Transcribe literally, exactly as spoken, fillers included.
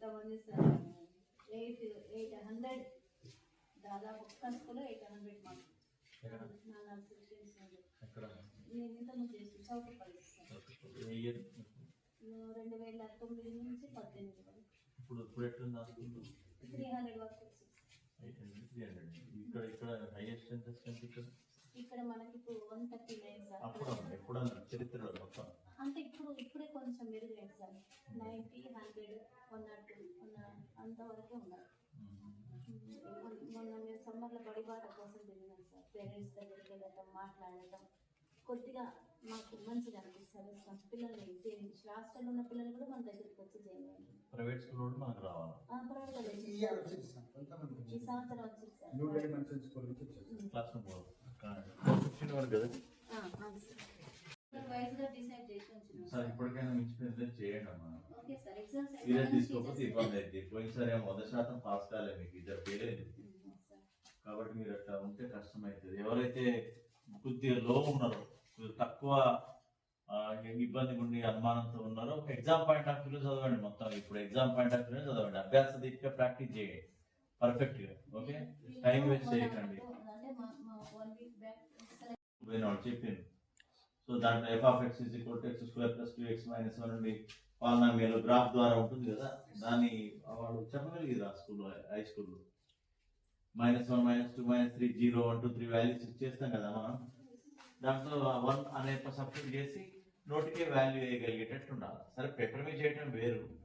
ఎంతమంది sir eight eight hundred దాదాపు ఒక్క స్కూల్లో ఎయిట్ హండ్రెడ్ మార్క్స్ నేను ఇంతకుముందు చేసి చౌకపల్లి రెండు వేల తొమ్మిది నుంచి పద్దెనిమిది వరకు ఇప్పుడు ఇప్పుడు ఎట్లా త్రీ హండ్రెడ్ వరకు త్రీ హండ్రెడ్ ఇక్కడ ఇక్కడ హైయెస్ట్ ఎంత ఇక్కడ ఇక్కడ మనకి ఇప్పుడు వన్ థర్టీ నైన్ సార్ అప్పుడు ఎప్పుడన్నా చరిత్రలో మొత్తం అంటే ఇప్పుడు ఇప్పుడే కొంచెం మెరుగైంది sir ninety hundred one not two one అంతవరకే ఉన్నారు. మొన్న మేము సమ్మర్లో బడిబాట కోసం తిరిగినాం సార్. పేరెంట్స్ దగ్గరికి వెళ్ళటం మాట్లాడటం కొద్దిగా మాకు మంచిగా అనిపిస్తుంది. పిల్లల్ని హాస్టల్లో ఉన్న పిల్లలు కూడా మన దగ్గరికి వచ్చి జాయిన్ అయ్యారు. ప్రైవేట్ స్కూల్ కూడా మనకు రావాలి. ప్రైవేట్ ఈ సంవత్సరం వచ్చింది సార్. క్లాస్ రూమ్ సార్ ఇప్పటికైనా మించి చేయండి అమ్మా. Okay sir. ఎగ్జామ్స్ సీరియస్ తీసుకోకపోతే ఇబ్బంది అయితే పోయినసారి వంద శాతం పాస్ కాలేదు మీకు ఇద్దరు పేలేదు కాబట్టి మీరు అట్లా ఉంటే కష్టం అవుతుంది. ఎవరైతే కొద్దిగా లో ఉన్నారో తక్కువ ఇబ్బంది ఉండి అనుమానంతో ఉన్నారో ఒక ఎగ్జామ్ పాయింట్ ఆఫ్ వ్యూలో చదవండి. మొత్తం ఇప్పుడు ఎగ్జామ్ పాయింట్ ఆఫ్ వ్యూలో చదవండి. అభ్యాస దీక్ష ప్రాక్టీస్ చేయండి పర్ఫెక్ట్ గా. ఓకే టైం వేస్ట్ చేయకండి. చెప్పింది సో దాంట్లో F of X is equal to X square plus two X minus one నుండి పాలనామీలో గ్రాఫ్ ద్వారా ఉంటుంది కదా, దాన్ని వాడు చెప్పగలిగేది ఆ స్కూల్లో హై స్కూల్లో. Minus one minus two minus three zero one two three values ఇచ్చేస్తాం కదా మనం. దాంట్లో వన్ అనే సబ్స్టిట్యూట్ చేసి నోటికే వాల్యూ వేయగలిగేటట్టు ఉండాలి. సరే పేపర్ మీద చేయటం వేరు,